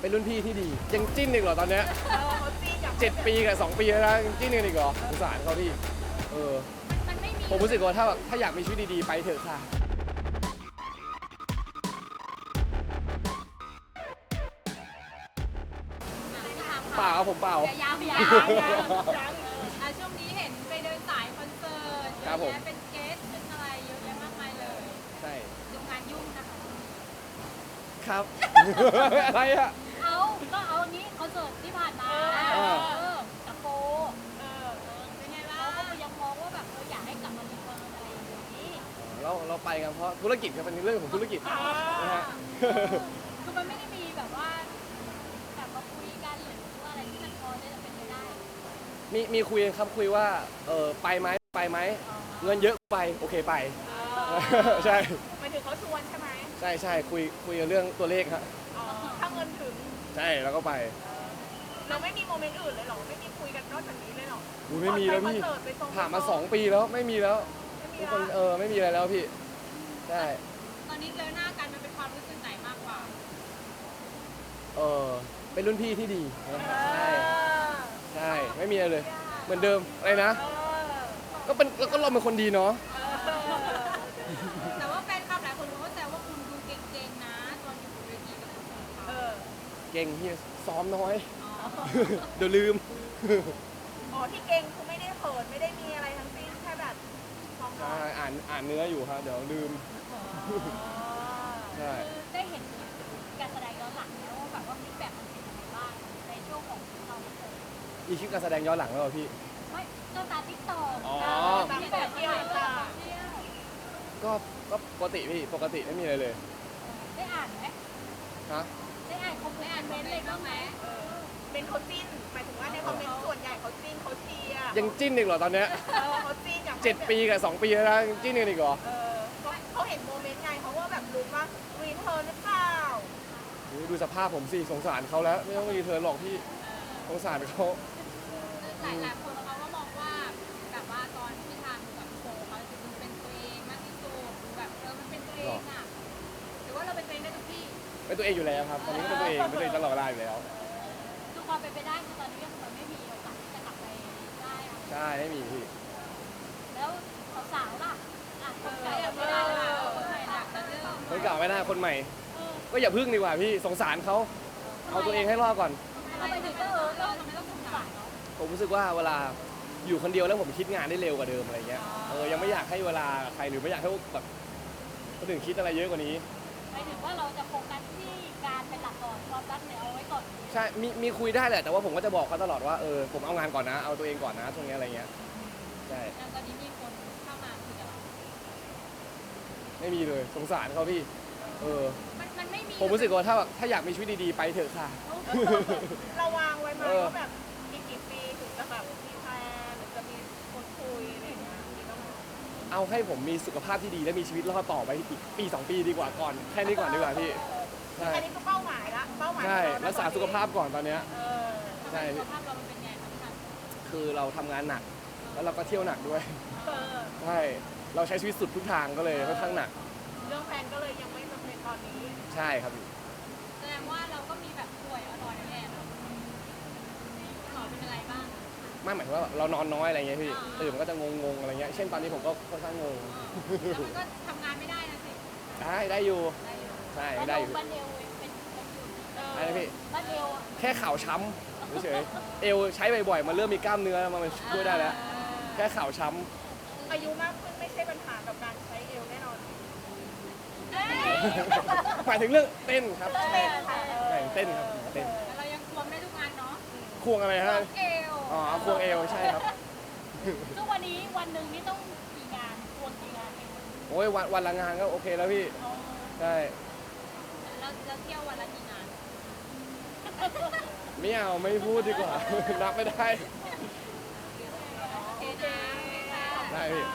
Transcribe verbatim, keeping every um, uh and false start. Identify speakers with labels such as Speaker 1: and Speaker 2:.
Speaker 1: เป็นรุ่นพี่ที่ดียังจิ้นอีกเหรอตอนเนี้ย
Speaker 2: เออเขาจี้กับ
Speaker 1: เจ็ดปีกับสองปีแล้วนะยังจิ้นกันอีกเหรอสงสารเขาพี่เออ
Speaker 3: มันไม่มี
Speaker 1: ผมรู้สึกว่าถ้าแบบถ้าอยากมีชีวิตดีๆไปเถอะค่ะเปล่าครับผมเปล่า
Speaker 3: ยาวยา
Speaker 2: ยั
Speaker 3: ว
Speaker 2: งยัง
Speaker 3: อ่ะช่วงนี้เห็นไปเดินสายคอนเสิร์ตเย
Speaker 1: ครับ
Speaker 3: อะ
Speaker 1: ผม
Speaker 3: แยะเป็นเกสเป็นอะไรเยอะแยะมากมายเลย
Speaker 1: ใช่
Speaker 3: ดูงานยุ่งนะคะ
Speaker 1: ครับ อะไรอะ
Speaker 3: เอาก็เอาอันนี้คอนเสิร์ตที่ผ่านมา
Speaker 1: เออ
Speaker 3: เออกับโฟ
Speaker 2: เออ
Speaker 3: เออเป็นไงบ้างเขาก็ยังมองว่าแบบเอออยากให้กลับมารีเทิร์นอะไรอย่างนี้
Speaker 1: เราเราไปกันเพราะธุรกิจครับเป็นเรื่องของธุรกิจนะฮะ
Speaker 3: คือมันไม่ได้มีแบบว่าแบบมาคุยกันหรือว่าอะไรที่มันพอจะเป็นไปได้
Speaker 1: มีมีคุยกันครับคุยว่าเออไปไหมไปไหมเงินเยอะไปโอเคไป ใช่
Speaker 2: หมายถึงเขาชวนใช่ไหม
Speaker 1: ใช่ใช่คุยคุยกันเรื่องตัวเลขครับ
Speaker 2: อ๋อถ้าเงินถึง
Speaker 1: ใช่แล้วก็ไป
Speaker 2: เราไม่มีโมเมนต์อื่นเลยเหรอไม่มีคุยกันนอกจากนี้เลยเหรอ
Speaker 1: อุ๊ยไม่มีแล้วพี่
Speaker 2: ก่อนไปคอนเสิร์ตไปส่ง
Speaker 1: ผ่านมาสองปีแล้วไม่มีแล้ว
Speaker 2: ไม่มี
Speaker 1: ทุกคน
Speaker 2: ละ
Speaker 1: เออไม่มีอะไรแล้วพี่ใช่
Speaker 3: ตอนนี้เจอหน้ากันมันเป็นความรู้สึกไหนมากกว่า
Speaker 1: เออเป็นรุ่นพี่ที่ดีนะใช่
Speaker 2: เออ
Speaker 1: ใช่ไม่มีอะไรเลย เหมือนเดิมอะไรนะ
Speaker 2: เออ
Speaker 1: ก็เป็นแล้วก็เราเป็นคนดีเนาะ
Speaker 2: เออ
Speaker 3: แต่ว่าแฟนคลับหลายคนเขาแซวว่าคุณดูเก่งๆนะตอนอยู่บนเวทีกับคุณ
Speaker 2: เออ
Speaker 1: เก่งที่ซ้อมน้อย
Speaker 3: อ๋อ
Speaker 1: เดี๋ยวลืม
Speaker 2: อ๋อที่เก่งคือไม่ได้เขินไม่ได้มีอะไรทั้งสิ้นแค่แบบซ้อมร้อ
Speaker 1: ใช่
Speaker 2: ง
Speaker 1: อ่านอ่านเนื้ออยู่ครับเดี๋ยวลืมใช่
Speaker 3: คือได้เห็นการแสดงย้อนหลังแล้วว่าแบบว่าฟีดแบ็กมันเป็นยังไงบ้างในช่วงของเราเปิด
Speaker 1: อีคลิปการแสดงย้อนหลังแล้วเหรอพี่
Speaker 3: ไม่ก็ตามติ๊กต็อก
Speaker 1: อ๋อ
Speaker 3: ฟีดแบ็กที่ไหนบ้างเที่ยว
Speaker 1: ก็ก็ปกติพี่ปกติไม่มีอะไรเลย
Speaker 3: ได้อ่านไหม
Speaker 1: ฮะ
Speaker 3: ได้อ่านคอมเมนต์อะไรบ้างไหม
Speaker 2: เออเป็นเขาจิ้นหมายถึงว่าในคอมเมนต์ส่วนใหญ่เขาจิ้นเขาเชียร์
Speaker 1: ยังจิ้นอีกเหรอตอนเนี้ย
Speaker 2: เออเขาจิ้นอย่าง
Speaker 1: เจ็ดปีกับสองปีแล้วนะยังจิ้นกันอีกเหรอ
Speaker 2: เออเขาเขาเห็นโมเมนต์ไงเขาว่าแบบรู้ว่ารีเทิร์นหรือเปล่า
Speaker 1: โอ้ยดูสภาพผมสิสงสารเขาแล้วไม่ต้องรีเทิร์นหรอกพี่สงสารเขา
Speaker 3: หลายหลายคนเขาก็มองว่าแบบว่าตอนที่ทำกับโฟเขาจะดูเป็นตัวเองมากที่สุดดูแบบเออมันเป็นตัวเองอ่ะหรือว่าเราเป็นตัวเองได้ทุกที่
Speaker 1: เป็นตัวเองอยู่แล้วครับตอนนี้ก็เป็นตัวเองเป็นตัวเองตลอดเวลาอยู่แล้ว
Speaker 3: คือความเป็นไปได้คือตอนนี้ก็คือมันไม่มีโอกาสที่จะกลับไปได้อะ
Speaker 1: ใช่ไม่มีพี่
Speaker 3: แล้วสาวๆล่ะอ่ะคนใหม่ไม่ได้ล่ะคนใหม่ล่ะแต่เรื่อง
Speaker 1: คนเก่าไม่น่าคนใหม่
Speaker 3: เออ
Speaker 1: ก็อย่าพึ่งดีกว่าพี่สงสารเขาเอาตัวเองให้รอดก่อน
Speaker 3: ทำไมถึงก็เออเราทำไมต้องสงสารเนาะ
Speaker 1: ผมรู้สึกว่าเวลาอยู่คนเดียวแล้วผมคิดงานได้เร็วกว่าเดิมอะไรเงี้ยเออยังไม่อยากให้เวลาใครหรือไม่อยากให้แบบคนอื่นคิดอะไรเยอะกว่านี้
Speaker 3: หมายถึงว่าเราจะโฟกัสที่การเป็นหลักก่อนความรักเนี่ยเอาไว้ก่อน
Speaker 1: ใช่มีมีคุยได้แหละแต่ว่าผมก็จะบอกเขาตลอดว่าเออผมเอางานก่อนนะเอาตัวเองก่อนนะช่วงนี้อะไรเงี้ยใช่
Speaker 3: อย่างตอนนี้มีคนเข้ามาคุยกับเรา
Speaker 1: ไม่มีเลยสงสารเขาพี่เออ
Speaker 3: มันมันไม่มี
Speaker 1: ผมรู้สึกว่าถ้าแบบถ้าอยากมีชีวิตดีๆไปเถอะค่ะ
Speaker 2: เราวางไว้ไหม
Speaker 1: เออ
Speaker 2: ว่าแบบอีกกี่ปีถึงจะแบบมีแฟนหรือจะมีคนคุยอะไรอย่างเงี้ยมีบ้างไหม
Speaker 1: เอาให้ผมมีสุขภาพที่ดีและมีชีวิตรอดต่อไปอีกปีสองปีดีกว่าก่อนแค่นี้ก่อนดีกว่าพี่ใช่
Speaker 2: อันนี้คือเป้าหมายละเป้าหมาย
Speaker 1: ใช่
Speaker 2: ของเนะ
Speaker 1: รักษาสุขภาพก่อนตอนเนี้ย
Speaker 2: เออ
Speaker 1: ใช่
Speaker 3: สุขภาพเรามันเป็นไงครับพี่นัน
Speaker 1: คือเราทำงานหนักแล้วเราก็เที่ยวหนักด้วย
Speaker 2: เออ
Speaker 1: ใช่เราใช้ชีวิตสุดทุกทางก็เลยค่อนข้างหนัก
Speaker 2: เรื่องแฟนก็เลยยังไม่จำเป็นตอนนี้
Speaker 1: ใช่ครับพี่
Speaker 3: แสดงว่าเราก็มีแบบป่วยอ่อนๆแน่ๆเนาะหมอเป็นอะไรบ้าง
Speaker 1: ไม่หมายถึงว่าเรานอนน้อยอะไรเงี้ยพี่
Speaker 3: อ่า
Speaker 1: ตื่นมันก็จะงงๆอะไรเงี้ยเช่นตอนนี้ผมก็ค่อนข้างงง
Speaker 3: แล้วมันก็ทำงานไม่ได้นะสิ
Speaker 1: ได้ได้อยู่
Speaker 3: ได้อยู่
Speaker 1: ใช่ได้อยู่
Speaker 3: บ้านเอวเป็นเป็นอยู่
Speaker 2: เออ
Speaker 1: อะไรนะพี่
Speaker 3: บ้านเอว
Speaker 1: แค่เข่าช้ำเฉยๆเอวใช้บ่อยๆมันเริ่มมีกล้ามเนื้อแล้วมันช่วยได้แล้ว แค่เข่าช้
Speaker 2: อายุมากขึ้นไม่ใช่ปัญหากับการใช้เอวแน่นอน
Speaker 1: ำหมายถึงเรื่องเต้นครับ
Speaker 2: เต้นค่ะ
Speaker 1: ใช่เต้นครับเต้น
Speaker 3: แต่เรายังควงได้ทุกงานเนาะ
Speaker 1: ควงอะไร
Speaker 3: คว
Speaker 1: ฮะ
Speaker 3: งเอว
Speaker 1: อ๋อควงเอวใช่ครับ
Speaker 3: ซึ่งวันนี้วันหนึ่งนี่ต้องกี่งานควงกี่งานเอง
Speaker 1: โอ้ยวันวันละงานก็โอเคแล้วพี่
Speaker 3: อ๋อ
Speaker 1: ใช่
Speaker 3: แล้วแล้วเที่ยววันละกี่งาน
Speaker 1: ไม่เอาไม่พูดดีกว่า นับไม่ได้
Speaker 3: โอเคนะ
Speaker 1: ได้พี่